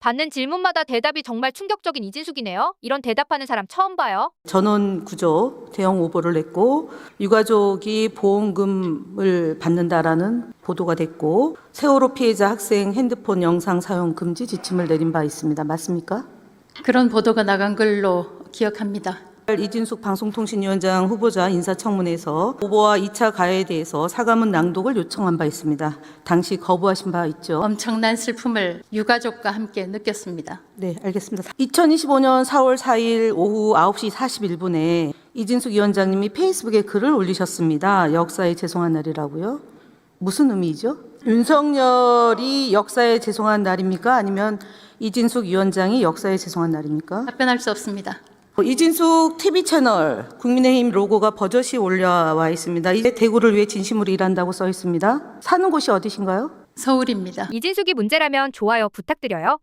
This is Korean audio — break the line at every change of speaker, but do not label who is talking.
받는 질문마다 대답이 정말 충격적인 이진숙이네요. 이런 대답하는 사람 처음 봐요.
전원 구조 대형 오보를 냈고 유가족이 보험금을 받는다라는 보도가 됐고 세월호 피해자 학생 핸드폰 영상 사용 금지 지침을 내린 바 있습니다. 맞습니까?
그런 보도가 나간 걸로 기억합니다.
이진숙 방송통신위원장 후보자 인사청문회에서 오보와 2차 가해에 대해서 사과문 낭독을 요청한 바 있습니다. 당시 거부하신 바 있죠?
엄청난 슬픔을 유가족과 함께 느꼈습니다.
네, 알겠습니다. 2025년 4월 4일 오후 9시 41분에 이진숙 위원장님이 페이스북에 글을 올리셨습니다. 역사에 죄송한 날이라고요? 무슨 의미죠? 윤석열이 역사에 죄송한 날입니까? 아니면 이진숙 위원장이 역사에 죄송한 날입니까?
답변할 수 없습니다.
이진숙 TV 채널 국민의힘 로고가 버젓이 올라와 있습니다. 이제 대구를 위해 진심으로 일한다고 써 있습니다. 사는 곳이 어디신가요?
서울입니다.
이진숙이 문제라면 좋아요 부탁드려요.